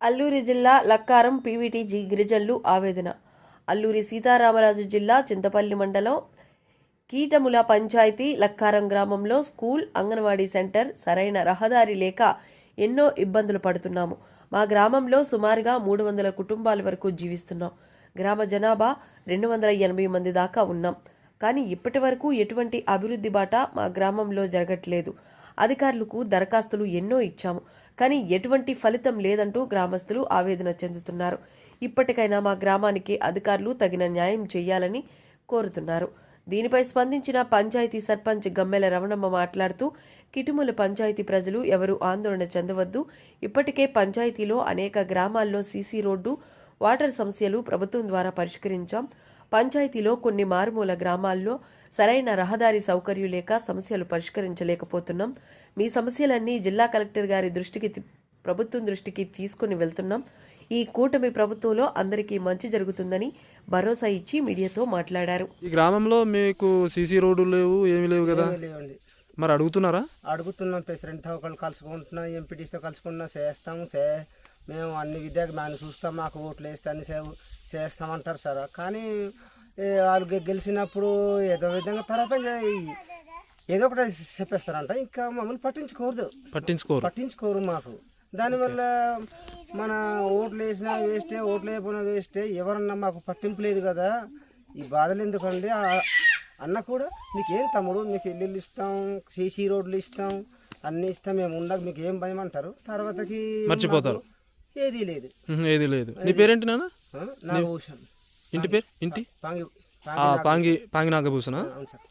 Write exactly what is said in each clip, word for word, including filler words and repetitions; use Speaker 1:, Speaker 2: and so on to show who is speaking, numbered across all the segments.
Speaker 1: అల్లూరి జిల్లా లక్కారం పీవీటీజీ గిరిజనులు ఆవేదన. అల్లూరి సీతారామరాజు జిల్లా చింతపల్లి మండలం కీటముల పంచాయతీ లక్కారం గ్రామంలో స్కూల్, అంగన్వాడీ సెంటర్ సరైన రహదారి లేక ఎన్నో ఇబ్బందులు పడుతున్నాము. మా గ్రామంలో సుమారుగా మూడు వందల కుటుంబాల వరకు జీవిస్తున్నాం. గ్రామ జనాభా రెండు వందల ఎనభై మంది దాకా ఉన్నాం. కానీ ఇప్పటి వరకు ఎటువంటి అభివృద్ధి బాట మా గ్రామంలో జరగట్లేదు. అధికారులకు దరఖాస్తులు ఎన్నో ఇచ్చాము, కానీ ఎటువంటి ఫలితం లేదంటూ గ్రామస్తులు ఆవేదన చెందుతున్నారు. ఇప్పటికైనా మా గ్రామానికి అధికారులు తగిన న్యాయం చేయాలని కోరుతున్నారు. దీనిపై స్పందించిన పంచాయతీ సర్పంచ్ గమ్మెల రమణమ్మ మాట్లాడుతూ, కిటుముల పంచాయతీ ప్రజలు ఎవరూ ఆందోళన చెందవద్దు. ఇప్పటికే పంచాయతీలో అనేక గ్రామాల్లో సీసీ రోడ్డు, వాటర్ సమస్యలు ప్రభుత్వం ద్వారా పరిష్కరించాం. పంచాయతీలో కొన్ని మారుమూల గ్రామాల్లో సరైన రహదారి సౌకర్యం లేక సమస్యలు పరిష్కరించలేకపోతున్నాం. మీ సమస్యలన్నీ జిల్లా కలెక్టర్ గారి దృష్టికి ప్రభుత్వం దృష్టికి తీసుకుని వెళ్తున్నాం. ఈ కూటమి ప్రభుత్వంలో అందరికీ మంచి జరుగుతుందని భరోసా ఇచ్చి మీడియాతో మాట్లాడారు.
Speaker 2: ఈ గ్రామంలో మీకు సీసీ రోడ్డు లేవు, ఏమీ లేవు కదా,
Speaker 3: లేవండి.
Speaker 2: మరి అడుగుతున్నారా?
Speaker 3: అడుగుతున్నాం. ప్రెసిడెంట్ ఒకళ్ళు కలుసుకుంటున్నాం, ఎంపీటీస్తో కలుసుకుంటున్నాం, చేస్తాము సే మేము అన్ని విద్యకు మేము చూస్తాం, మాకు ఓట్లు వేస్తే అన్ని సేవ చేస్తామంటారు సార్. కానీ వాళ్ళు గెలిచినప్పుడు ఏదో విధంగా తర్వాత ఏదో ఒకటి చెప్పేస్తారంట, ఇంకా మమ్మల్ని పట్టించుకోరు
Speaker 2: పట్టించుకోరు
Speaker 3: పట్టించుకోరు మాకు. దానివల్ల మన ఓట్లు వేసినా వేస్తే, ఓట్లు వేయకపోయినా వేస్తే, ఎవరన్నా మాకు పట్టింపు లేదు కదా. ఈ బాధలు ఎందుకండి అన్న కూడా, మీకేం తమ్ముడు, మీకు ఇల్లు ఇస్తాం, సీసీ రోడ్లు ఇస్తాం, అన్ని ఇస్తాం, మేము ఉండక మీకు ఏం భయం అంటారు. తర్వాతకి
Speaker 2: మర్చిపోతారు.
Speaker 3: ఏది లేదు
Speaker 2: ఏది లేదు. నీ పేరేంటి నాన్న?
Speaker 3: నాగభూషణ్.
Speaker 2: ఇంటి పేరు? ఇంటి
Speaker 3: పాంగి
Speaker 2: పాంగి పాంగి నాగభూషణ.
Speaker 3: అవును సార్.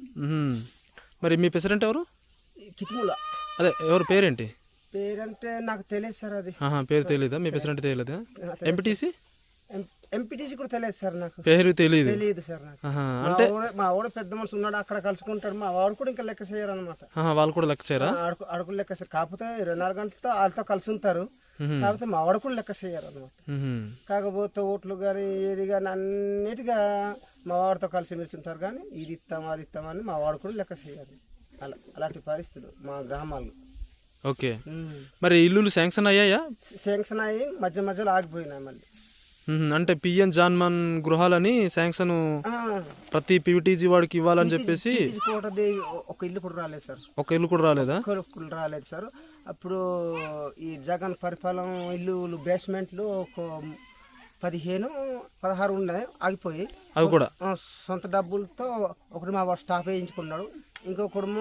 Speaker 2: మరి మీ ప్రెసిడెంట్ ఎవరు?
Speaker 3: కిట్ముల.
Speaker 2: అదే ఎవరు పేరేంటి?
Speaker 3: పేరంటే నాకు తెలియదు సార్. అది
Speaker 2: పేరు తెలియదా? మీ ప్రెసిడెంట్ తెలియదా? ఎంపీటీసీ
Speaker 3: ఎంపీటీసీ కూడా తెలియదు సార్. నాకు
Speaker 2: పేరు తెలియదు.
Speaker 3: తెలియదు సార్ నాకు.
Speaker 2: అంటే
Speaker 3: మా వాడ పెద్ద మనిషి ఉన్నాడు, అక్కడ కలుసుకుంటాడు. మా వాడు కూడా ఇంకా లెక్క చేయరు అనమాట.
Speaker 2: వాళ్ళు కూడా లెక్క చేయరా?
Speaker 3: అడుగులు లెక్క చేయరు. కాకపోతే ఇరవై నాలుగు గంటలతో వాళ్ళతో కలిసి ఉంటారు, కాకపోతే మా వాడు కూడా లెక్క చేయరు అనమాట. కాకపోతే ఓట్లు కానీ ఏది కానీ అన్నిటిగా మా వాడితో కలిసి మెచ్చుంటారు, కానీ ఇది ఇస్తాం అది ఇస్తామని మా వాడు కూడా లెక్క చేయరు. అలా అలాంటి పరిస్థితులు మా గ్రామాల్లో.
Speaker 2: ఓకే. మరి ఇల్లులు శాంక్షన్ అయ్యాయా?
Speaker 3: శాంక్షన్ అయ్యి మధ్య మధ్యలో ఆగిపోయినాయి మళ్ళీ.
Speaker 2: అంటే పిఎన్ జాన్మన్ గృహాలని శాంక్షన్ ప్రతి పీవీటీజీ వాడికి ఇవ్వాలని చెప్పేసి
Speaker 3: ఒక ఇల్లు కూడా రాలేదు సార్. ఒక
Speaker 2: ఇల్లు కూడా రాలేదా?
Speaker 3: రాలేదు సార్. అప్పుడు ఈ జగన్ పరిపాలన ఇల్లు బేస్మెంట్లు ఒక పదిహేను పదహారు ఉన్నాయి, ఆగిపోయి.
Speaker 2: అవి కూడా
Speaker 3: సొంత డబ్బులతో ఒకటి మా వాడు స్టాఫ్ వేయించుకున్నాడు, ఇంకొకడేమో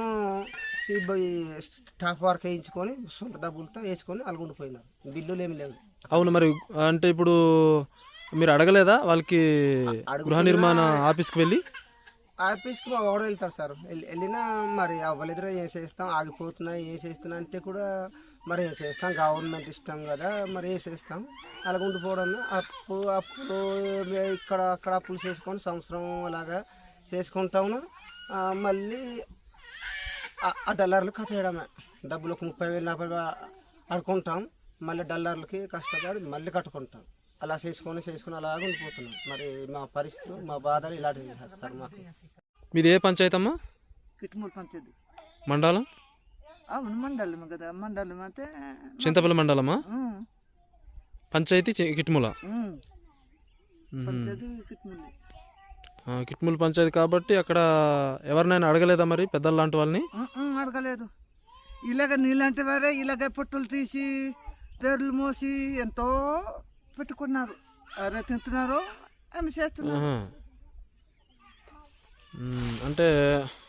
Speaker 3: స్టాఫ్ వర్క్ వేయించుకొని సొంత డబ్బులతో వేసుకొని అలుగుండిపోయినారు. బిల్లులు ఏమి లేవు.
Speaker 2: అవును. మరి అంటే ఇప్పుడు మీరు అడగలేదా వాళ్ళకి? గృహ నిర్మాణ ఆఫీస్కి వెళ్ళి
Speaker 3: ఆఫీస్కి మా వాడు వెళ్తాడు సార్. వెళ్ళినా మరి అవ్వలేదురా, ఏం చేస్తాం, ఆగిపోతున్నాయి, ఏం చేస్తున్నా అంటే కూడా మరి ఏం చేస్తాం, గవర్నమెంట్ ఇష్టం కదా, మరి ఏం చేస్తాం, అలాగ ఉండిపోవడం. అప్పు అప్పుడు ఇక్కడ అక్కడ అప్పులు చేసుకొని సంవత్సరం అలాగా చేసుకుంటాము. మళ్ళీ ఆ డల్లర్లు కట్టేయడమే. డబ్బులు ఒక ముప్పై వేలు నలభై అడుకుంటాం, మళ్ళీ డల్లర్లకి కష్టపడి మళ్ళీ కట్టుకుంటాం. అలా చేసుకొని చేసుకొని అలాగే ఉండిపోతున్నాం. మరి మా పరిస్థితులు, మా బాధలు ఇలాంటివి సార్. మాకు
Speaker 2: మీది ఏ పంచాయతీ అమ్మా?
Speaker 4: కిట్మూల పంచాయతీ.
Speaker 2: మండలం?
Speaker 4: అవును, మండలం కదా. మండలం అంటే
Speaker 2: చింతపల్లి మండలమా? పంచాయతీ కిట్మూల.
Speaker 4: పంచాయతీ కిట్మూల.
Speaker 2: కిట్మూల పంచాయతీ కాబట్టి అక్కడ ఎవరినైనా అడగలేదా మరి పెద్దల లాంటి వాళ్ళని?
Speaker 4: అడగలేదు. ఇలాగ నీలాంటి వారే ఇలాగ పొట్టులు తీసి పేర్లు మోసి ఎంతో పెట్టుకున్నారు. అరే తింటున్నారు, ఆమె చేస్తున్నారు.
Speaker 2: అంటే